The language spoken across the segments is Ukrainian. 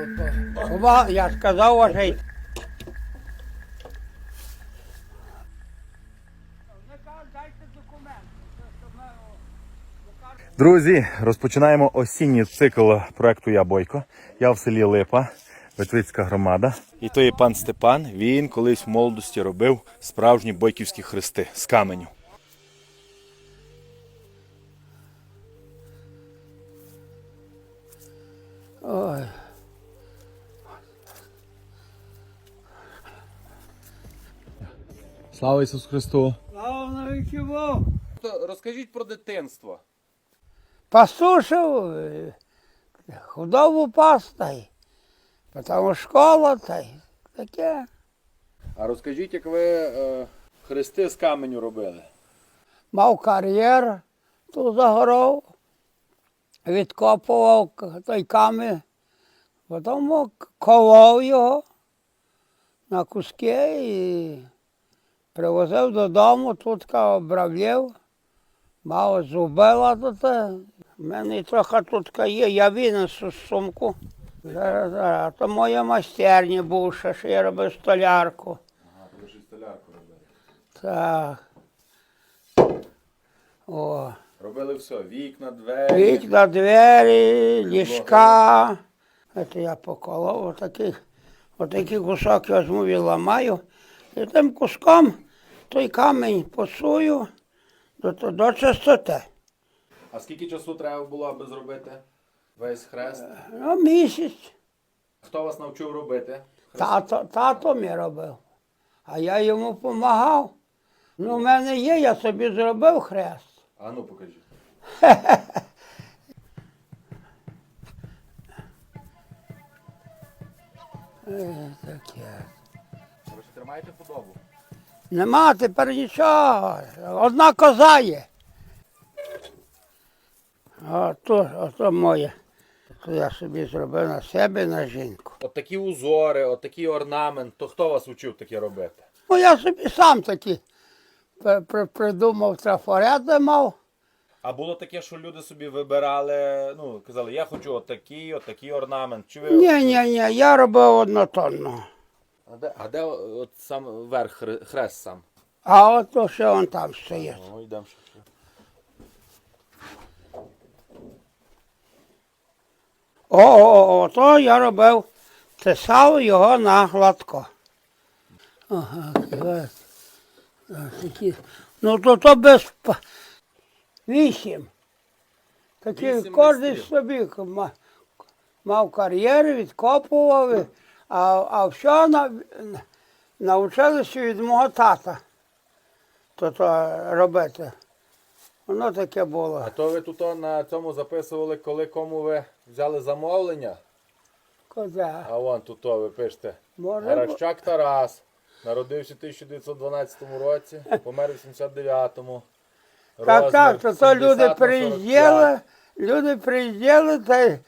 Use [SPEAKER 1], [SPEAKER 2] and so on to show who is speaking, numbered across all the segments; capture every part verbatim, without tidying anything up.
[SPEAKER 1] Ова, я сказав, вважай.
[SPEAKER 2] Друзі, розпочинаємо осінній цикл проекту «Я Бойко». Я в селі Липа, Ветвицька громада. І то є пан Степан. Він колись в молодості робив справжні бойківські хрести з каменю.
[SPEAKER 1] Ой.
[SPEAKER 2] Слава Ісусу Христу!
[SPEAKER 1] Слава навіки Богу.
[SPEAKER 2] Розкажіть про дитинство.
[SPEAKER 1] Пастушив, худобу пас, та й потім школа, та й таке.
[SPEAKER 2] А розкажіть, як ви е, хрести з каменю робили?
[SPEAKER 1] Мав кар'єр тут за горою, відкопував той камінь, потім колов його на куски і привозив додому, тут обравлів, мав зубила тут. У мене трохи тут є, я винесу сумку. Зараз, зараз. То моя майстерня бувша, що я робив столярку.
[SPEAKER 2] Ага, ви ж і столярку робили.
[SPEAKER 1] Так. О.
[SPEAKER 2] Робили все, вікна, двері.
[SPEAKER 1] Вікна, двері, ліжка. Це я поколов, отакий, отакий кусок я візьму і ламаю. І тим куском той камінь посую до, до чистоти.
[SPEAKER 2] А скільки часу треба було, аби зробити весь хрест?
[SPEAKER 1] Ну, місяць.
[SPEAKER 2] Хто вас навчив робити?
[SPEAKER 1] Тато, тато мій робив, а я йому допомагав. Ну, в мене є, я собі зробив хрест.
[SPEAKER 2] А ну покажіть.
[SPEAKER 1] Е, таке.
[SPEAKER 2] Ви ж тримаєте худобу?
[SPEAKER 1] Нема тепер нічого. Одна коза є. Ото, ото моє. То я собі зробив на себе, на жінку.
[SPEAKER 2] От такі узори, от такий орнамент, то хто вас учив таке робити?
[SPEAKER 1] Ну, я собі сам такі при- при- придумав, трафарети мав.
[SPEAKER 2] А було таке, що люди собі вибирали, ну, казали, я хочу отакий, отакий орнамент. Чи ви...
[SPEAKER 1] Ні, ні, ні, я робив однотонно.
[SPEAKER 2] А де, а де от сам верх, хре- хрест сам?
[SPEAKER 1] А ото ще он там стоїть.
[SPEAKER 2] Ну, йдемо ще.
[SPEAKER 1] О, о, о, то я робив, тисав його на гладко. Ага, так. Такі. Ну то то без п- вісім. Такі
[SPEAKER 2] Вісім
[SPEAKER 1] кожен
[SPEAKER 2] майстрів.
[SPEAKER 1] собі ма- мав кар'єр, відкопував, а, а все на, навчилися від мого тата то, то робити. Воно таке було.
[SPEAKER 2] А то ви тут на цьому записували, коли кому ви взяли замовлення?
[SPEAKER 1] Коза.
[SPEAKER 2] А вон тут ви пишете.
[SPEAKER 1] Може,
[SPEAKER 2] Гаращак Тарас. Народився в тисяча дев'ятсот дванадцятому році, помер у вісімдесят дев'ятому.
[SPEAKER 1] Так, так, то, то люди
[SPEAKER 2] сімдесят на
[SPEAKER 1] приїздили, люди приїздили, та й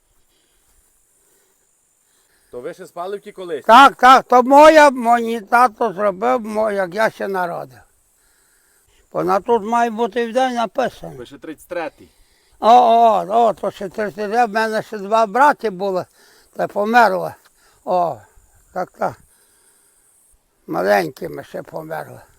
[SPEAKER 2] То ви ще з Паливки колись?
[SPEAKER 1] так, так, то моя, мій тато зробив, мо- як я ще народив. Вона тут має бути в день написано.
[SPEAKER 2] Ви ще тридцять третій.
[SPEAKER 1] О, о, о, то ще тридцять, в мене ще два брати були, та померли. О, так, так. Маленькими ще померли.